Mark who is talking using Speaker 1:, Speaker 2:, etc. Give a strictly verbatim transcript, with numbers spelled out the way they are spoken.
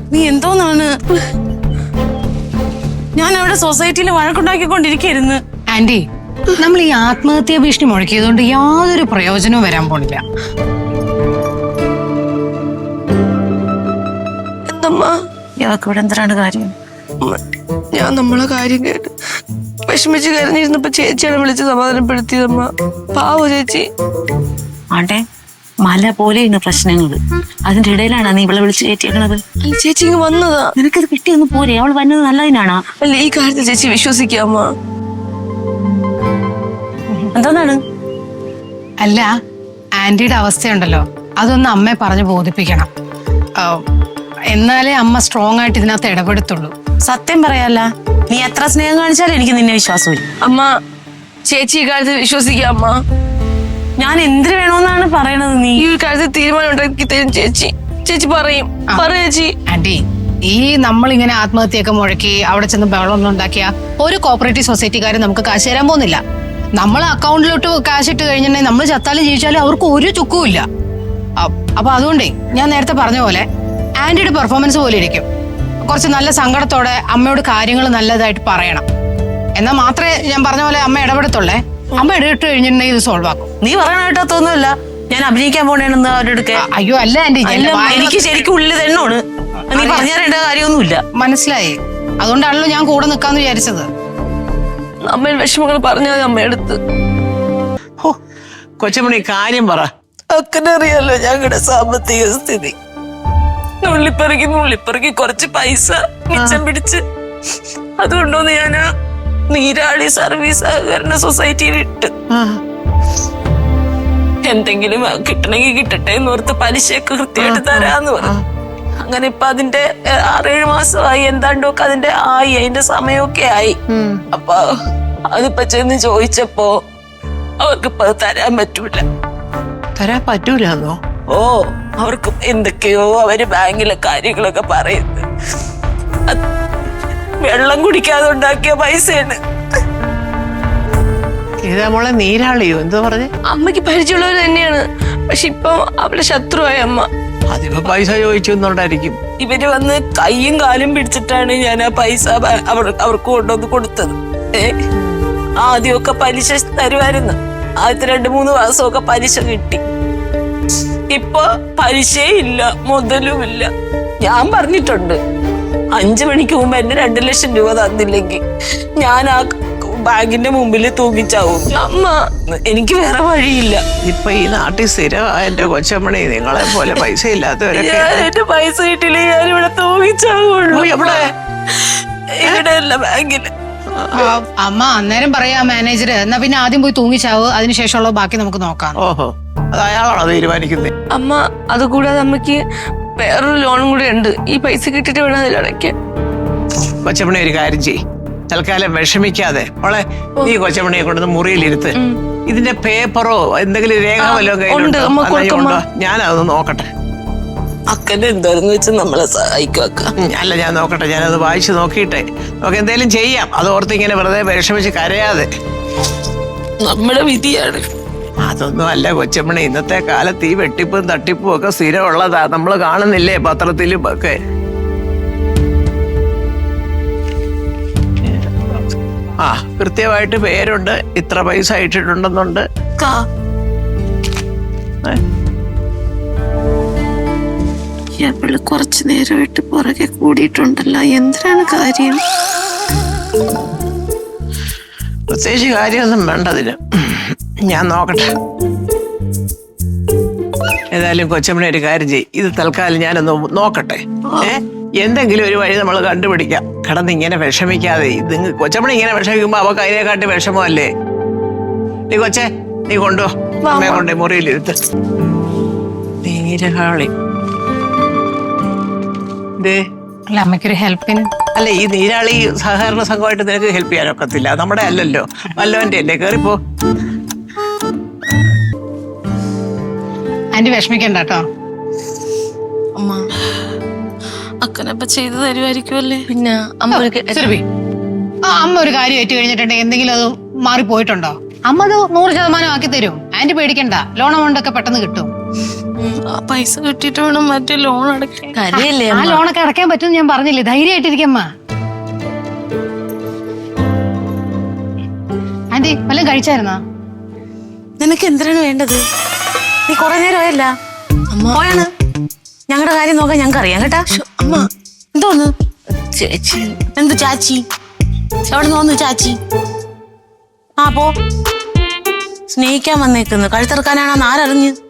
Speaker 1: നീ എന്തോന്നാണ്? ഞാൻ അവിടെ സൊസൈറ്റിയിൽ വഴക്കുണ്ടാക്കിക്കൊണ്ടിരിക്കുന്നു.
Speaker 2: ആന്റി, നമ്മൾ ഈ ആത്മഹത്യാ ഭീഷണി മുഴക്കിയതുകൊണ്ട് യാതൊരു പ്രയോജനവും വരാൻ പോണില്ല.
Speaker 1: എന്തമ്മാ ഇയാൾക്ക് ഇവിടെ എന്താണ് കാര്യം? ഞാൻ നമ്മളെ കാര്യം കേട്ട് വിഷമിച്ച് കരഞ്ഞിരുന്നപ്പോ ചേച്ചിയാണ് വിളിച്ച് സമാധാനപ്പെടുത്തിയതമ്മ. പാവോ ചേച്ചി. ആണ്ടെ, മല പോലെയാണ് പ്രശ്നങ്ങള്. അതിന്റെ ഇടയിലാണ് നീ ഇവളെ വിളിച്ച് കയറ്റിയേക്കണത്. അല്ല ചേച്ചി ഇങ്ങ് വന്നതാ. നിനക്കത് കിട്ടിയൊന്ന് പോരെ? അവൾ വന്നത് നല്ലതിനാണോ? അല്ല ഈ കാര്യത്തിൽ ചേച്ചി വിശ്വസിക്കാമോ? എന്താന്നാണ്?
Speaker 2: അല്ല, ആന്റിയുടെ അവസ്ഥയുണ്ടല്ലോ, അതൊന്ന് അമ്മയെ പറഞ്ഞ് ബോധിപ്പിക്കണം. എന്നാലേ അമ്മ സ്ട്രോങ് ആയിട്ട് ഇതിനകത്ത് ഇടപെടുത്തുള്ളൂ.
Speaker 1: സത്യം പറയാല്ല, നീ എത്ര സ്നേഹം കാണിച്ചാലും എനിക്ക് നിന്നെ വിശ്വാസമില്ല. അമ്മ ചേച്ചി ഈ കാര്യത്തിൽ വിശ്വസിക്കാം. അമ്മ ഞാൻ എന്തിനു വേണോന്നാണ് പറയണത്? നീ ഈ കാര്യത്തിൽ തീരുമാനം ഉണ്ടാക്കി തരും ചേച്ചി. ചേച്ചി പറയും പറ ചേച്ചി.
Speaker 2: ആന്റി, ഈ നമ്മളിങ്ങനെ ആത്മഹത്യയൊക്കെ മുഴക്കി അവിടെ ചെന്ന് ബഹളമൊന്നും ഉണ്ടാക്കിയ ഒരു കോപ്പറേറ്റീവ് സൊസൈറ്റിക്കാരും നമുക്ക് കാശ് തരാൻ പോകുന്നില്ല. നമ്മൾ അക്കൗണ്ടിലോട്ട് കാശ് ഇട്ട് കഴിഞ്ഞിട്ടുണ്ടെങ്കിൽ നമ്മൾ ചത്താലും ജീവിച്ചാലും അവർക്ക് ഒരു ചുക്കും ഇല്ല. അപ്പൊ അതുകൊണ്ടേ ഞാൻ നേരത്തെ പറഞ്ഞ പോലെ ആന്റിയുടെ പെർഫോമൻസ് പോലെ ഇരിക്കും. കുറച്ച് നല്ല സങ്കടത്തോടെ അമ്മയോട് കാര്യങ്ങൾ നല്ലതായിട്ട് പറയണം. എന്നാൽ മാത്രമേ ഞാൻ പറഞ്ഞ പോലെ അമ്മ ഇടപെടത്തുള്ളേ. അമ്മ ഇടപെട്ട് കഴിഞ്ഞിട്ടുണ്ടെങ്കിൽ ഇത് സോൾവ് ആക്കും.
Speaker 1: നീ പറയണ കേട്ടൊന്നുമില്ല. ഞാൻ അഭിനയിക്കാൻ പോണേണെന്ന് അവരുടെ.
Speaker 2: അയ്യോ അല്ല ആന്റി,
Speaker 1: എനിക്ക് ശരിക്കും ഉള്ളിൽ തന്നെയാണ്. നീ പറഞ്ഞു തരേണ്ട കാര്യമൊന്നുമില്ല.
Speaker 2: മനസ്സിലായി. അതുകൊണ്ടാണല്ലോ ഞാൻ കൂടെ നിൽക്കാന്ന് വിചാരിച്ചത്.
Speaker 1: അമ്മ വിഷമങ്ങൾ പറഞ്ഞാൽ അമ്മയെടുത്ത്.
Speaker 3: കൊച്ചമണി കാര്യം പറ.
Speaker 1: അക്കനറിയാലോ ഞങ്ങളുടെ സാമ്പത്തിക സ്ഥിതി. നുള്ളിപ്പെറുക്കി നുള്ളിപ്പെറുക്കി കുറച്ച് പൈസ മിച്ചം പിടിച്ച് അതുകൊണ്ടോന്ന് ഞാൻ നീരാളി സർവീസ് സഹകരണ സൊസൈറ്റിയിൽ ഇട്ട് എന്തെങ്കിലും കിട്ടണമെങ്കിൽ കിട്ടട്ടെ എന്നോർത്ത് പലിശയൊക്കെ കൃത്യമായിട്ട് തരാന്ന് പറഞ്ഞു. അങ്ങനെ ഇപ്പൊ അതിന്റെ ആറേഴ് മാസമായി. എന്താണ്ടൊക്കെ അതിന്റെ ആയി, അതിന്റെ സമയമൊക്കെ ആയി. അപ്പൊ അതിപ്പോ ചെന്ന് ചോദിച്ചപ്പോ അവർക്കിപ്പോ അത് തരാൻ പറ്റൂല.
Speaker 3: തരാൻ പറ്റൂലെന്നോ?
Speaker 1: ഓ, അവർക്ക് എന്തൊക്കെയോ അവര് ബാങ്കിലെ കാര്യങ്ങളൊക്കെ പറയുന്നത്. വെള്ളം കുടിക്കാതെ ഉണ്ടാക്കിയ പൈസയാണ്.
Speaker 3: ഇതാ മോളെ നീരാളിയോ എന്തോ പറഞ്ഞേ?
Speaker 1: അമ്മയ്ക്ക് പരിചയമുള്ളവർ തന്നെയാണ്. പക്ഷെ ഇപ്പൊ അവളുടെ ശത്രുവായ അമ്മ.
Speaker 3: അതിപ്പോ പൈസ ചോദിച്ചൊന്നുണ്ടായിരിക്കും.
Speaker 1: ഇവര് വന്ന് കയ്യും കാലും പിടിച്ചിട്ടാണ് ഞാൻ ആ പൈസ അവർ അവർക്ക് കൊണ്ടുവന്ന് കൊടുത്തത്. ഏ ആദ്യമൊക്കെ പലിശ തരുമായിരുന്നു. ആദ്യത്തെ രണ്ടു മൂന്ന് മാസമൊക്കെ പലിശ കിട്ടി. ഇപ്പൊ പലിശയില്ല, മുതലുമില്ല. ഞാൻ പറഞ്ഞിട്ടുണ്ട്, അഞ്ചു മണിക്ക് മുമ്പ് എന്നെ രണ്ടു ലക്ഷം രൂപ തന്നില്ലെങ്കിൽ ഞാൻ ആ ബാങ്കിന്റെ മുമ്പിൽ തൂങ്ങിച്ചാവും. അമ്മ എനിക്ക് വേറെ വഴിയില്ല.
Speaker 3: ഇപ്പൊ ഈ നാട്ടിൽ സ്ഥിരമായ എന്റെ കൊച്ചമ്മണി നിങ്ങളെ പോലെ പൈസ ഇല്ലാത്തവരൊക്കെ.
Speaker 1: എന്റെ പൈസ കിട്ടില്ല, ഞാൻ ഇവിടെ തൂങ്ങിച്ചാവുള്ളൂ. ഇവിടെ ഇവിടെ അല്ല, ബാങ്കില്.
Speaker 2: അമ്മ അന്നേരം പറയാ മാനേജർ, എന്നാ പിന്നെ ആദ്യം പോയി തൂങ്ങിച്ചാവ്, അതിനുശേഷമുള്ള ബാക്കി നമുക്ക് നോക്കാം.
Speaker 3: ഓഹോ, അത് അയാളാണോ തീരുമാനിക്കുന്നത്?
Speaker 1: അമ്മ അതുകൂടാതെ അമ്മക്ക് വേറൊരു ലോണും കൂടെ ഉണ്ട്. ഈ പൈസ കിട്ടിട്ട് വേണം അതിലടയ്ക്കാൻ.
Speaker 3: കൊച്ചമ്മണി ഒരു കാര്യം ചെയ്യ്, തൽക്കാലം വിഷമിക്കാതെ മോളെ നീ കൊച്ചമ്മണിയെ കൊണ്ടുവന്ന് മുറിയിലിരുത്ത്. ഇതിന്റെ പേപ്പറോ എന്തെങ്കിലും രേഖ വല്ലതും കയ്യിലുണ്ടോ? ഞാനതൊന്ന് നോക്കട്ടെ. അക്കന്റെ എന്തോരെന്ന് വെച്ച് നമ്മളെ സഹായിക്കുക. അല്ല, ഞാൻ നോക്കട്ടെ, ഞാനത് വായിച്ചു നോക്കിയിട്ടെ നമുക്ക് എന്തെങ്കിലും ചെയ്യാം. അത് ഓർത്ത് ഇങ്ങനെ വെറുതെ വിഷമിച്ച് കരയാതെ. നമ്മുടെ വിധിയാണ്. അതൊന്നും അല്ല കൊച്ചമ്മണി, ഇന്നത്തെ കാലത്ത് ഈ വെട്ടിപ്പും തട്ടിപ്പും ഒക്കെ സ്ഥിരമുള്ളതാ. നമ്മൾ കാണുന്നില്ലേ പത്രത്തിലും ഒക്കെ. ആ, കൃത്യമായിട്ട് പേരുണ്ട്, ഇത്ര പൈസ ഇട്ടിട്ടുണ്ടെന്നുണ്ട്.
Speaker 1: കുറച്ചു നേരമായിട്ട് പുറകെ കൂടിയിട്ടുണ്ടല്ലോ, എന്തിനാണ് കാര്യം?
Speaker 3: പ്രത്യേകിച്ച് കാര്യമൊന്നും വേണ്ടതിന്. ഞാൻ നോക്കട്ടെ. ഏതായാലും കൊച്ചമ്മണി ഒരു കാര്യം ചെയ്യും, ഇത് തൽക്കാലം ഞാനൊന്ന് നോക്കട്ടെ. ഏ എന്തെങ്കിലും ഒരു വഴി നമ്മൾ കണ്ടുപിടിക്കാം. കിടന്ന് ഇങ്ങനെ വിഷമിക്കാതെ. ഇത് കൊച്ചമ്മണി ഇങ്ങനെ വിഷമിക്കുമ്പോ അവക്ക് അതിനെക്കാട്ടി വിഷമല്ലേ. നീ കൊച്ചേ, നീ കൊണ്ടുപോ, അമ്മയെ കൊണ്ടേ മുറിയിലിരുത്ത്. നീരാളി
Speaker 2: അല്ല, അമ്മയ്ക്കൊരു ഹെൽപ്പിന്.
Speaker 3: അല്ല, ഈ നീരാളി സഹകരണ സംഘമായിട്ട് നിനക്ക് ഹെൽപ്പ് ചെയ്യാനൊക്കത്തില്ല. നമ്മുടെ അല്ലല്ലോ, വല്ലവന്റെ അല്ലേ. കേറിപ്പോ.
Speaker 2: ആന്റി വിഷമിക്കണ്ട കേട്ടോ.
Speaker 1: അമ്മ അക്കനപ്പ ചെയ്തു തരുമായിരിക്കുമല്ലേ? പിന്നെ അമ്മ
Speaker 2: ആ അമ്മ ഒരു കാര്യം ഏറ്റു കഴിഞ്ഞിട്ടുണ്ടെങ്കിൽ എന്തെങ്കിലും അത് മാറിപ്പോയിട്ടുണ്ടോ? അമ്മ അത് നൂറ് ശതമാനം ആക്കി തരും. ആന്റി പേടിക്കണ്ട, ലോൺ എമൗണ്ട് ഒക്കെ പെട്ടെന്ന് കിട്ടും.
Speaker 1: ആ പൈസ കിട്ടിയിട്ട് വേണം മറ്റേ ലോൺ അടയ്ക്കാൻ.
Speaker 4: കരയല്ലേ
Speaker 2: ആ ലോണൊക്കെ അടയ്ക്കാൻ പറ്റും ഞാൻ പറഞ്ഞില്ലേ, ധൈര്യമായിട്ടിരിക്കമ്മ. ആന്റി വല്ലതും കഴിച്ചായിരുന്നാ?
Speaker 4: നിനക്ക് എന്തിനാണ് വേണ്ടത്? നീ കൊറേ നേരമായല്ല പോയാണ്. ഞങ്ങളുടെ കാര്യം നോക്കാൻ ഞങ്ങൾക്ക് അറിയാം കേട്ടാ.
Speaker 1: അമ്മ
Speaker 4: എന്തോന്ന്
Speaker 1: ചേച്ചി
Speaker 4: എന്ത് ചാച്ചി? എവിടെ നോന്നു ചാച്ചി? ആ പോ. സ്നേഹിക്കാൻ വന്നേക്കുന്നു, കഴുത്തിറക്കാനാണെന്ന് ആരറിഞ്ഞ്?